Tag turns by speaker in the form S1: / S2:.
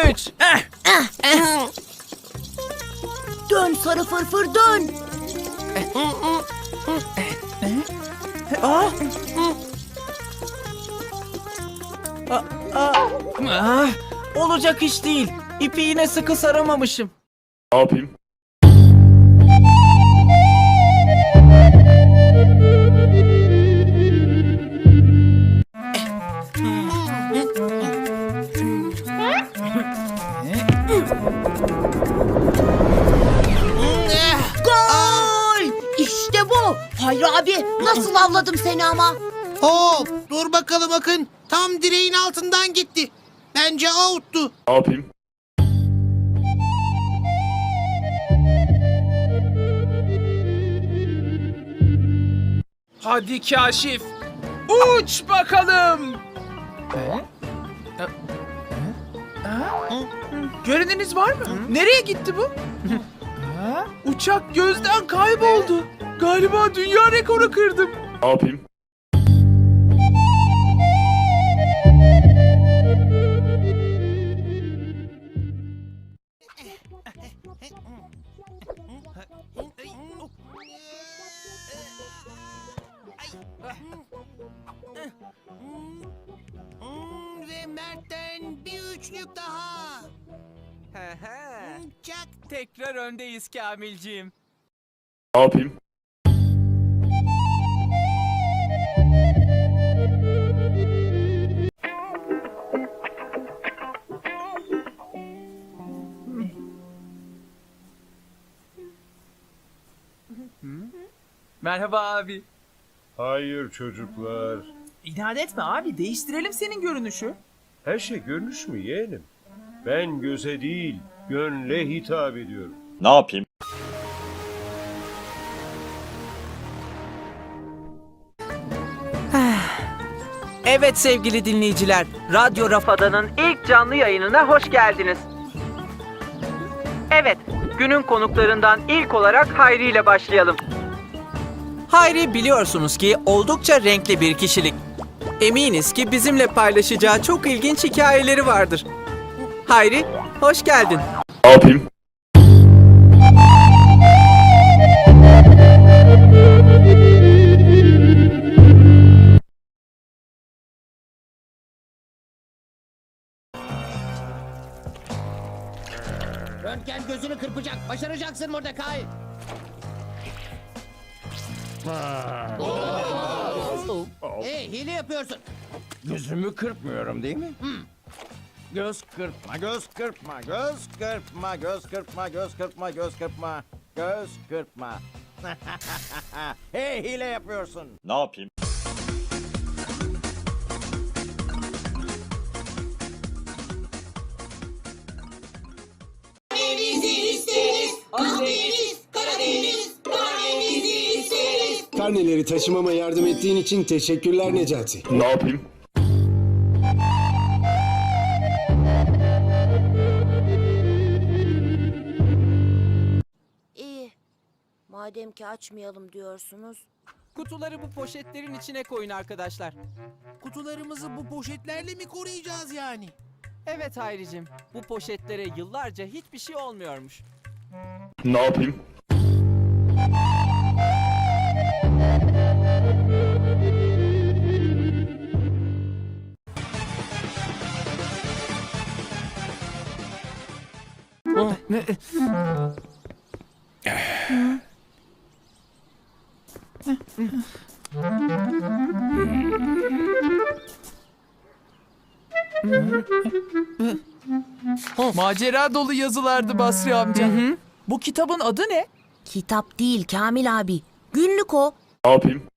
S1: 3.
S2: Dön sarı fırfır dön.
S1: Olacak iş değil. İpi yine sıkı saramamışım.
S3: Ne yapayım?
S2: Gol! İşte bu. Hayri abi nasıl avladım seni ama.
S4: Hop, dur bakalım Akın. Tam direğin altından gitti. Bence out'tu.
S3: Ne yapayım?
S1: Hadi Kaşif. Uç bakalım. Göreniniz var mı? Nereye gitti bu? Uçak gözden kayboldu. Galiba dünya rekoru kırdım.
S3: Ne yapayım?
S4: Ve Mert'ten bir üçlük daha. Çak.
S1: Tekrar öndeyiz Kamilciğim.
S3: Ne yapayım?
S1: Merhaba abi.
S5: Hayır çocuklar.
S1: İnat etme abi, değiştirelim senin görünüşü.
S5: Her şey görünüş mü yeğenim? Ben göze değil, gönle hitap ediyorum.
S3: Ne yapayım?
S6: Evet sevgili dinleyiciler, Radyo Rafada'nın ilk canlı yayınına hoş geldiniz. Evet, günün konuklarından ilk olarak Hayri ile başlayalım. Hayri biliyorsunuz ki oldukça renkli bir kişilik. Eminiz ki bizimle paylaşacağı çok ilginç hikayeleri vardır. Hayri, hoş geldin.
S3: Ne yapayım?
S4: Röntgen gözünü kırpacak. Başaracaksın Mordecai. Hey, hile yapıyorsun.
S7: Gözümü kırpmıyorum değil mi? Göz kırpma, göz kırpma, göz kırpma, göz kırpma, göz kırpma, göz kırpma, göz kırpma. Hey, hile yapıyorsun.
S3: Ne yapayım?
S8: Karneleri taşımama yardım ettiğin için teşekkürler Necati.
S3: Ne yapayım?
S2: İyi. Madem ki açmayalım diyorsunuz.
S6: Kutuları bu poşetlerin içine koyun arkadaşlar.
S4: Kutularımızı bu poşetlerle mi koruyacağız yani?
S6: Evet Hayricim, bu poşetlere yıllarca hiçbir şey olmuyormuş.
S3: Ne yapayım?
S1: Macera dolu yazılardı Basri amca. Bu kitabın adı ne?
S2: Kitap değil Kamil abi. Günlük o.
S3: Ne yapayım?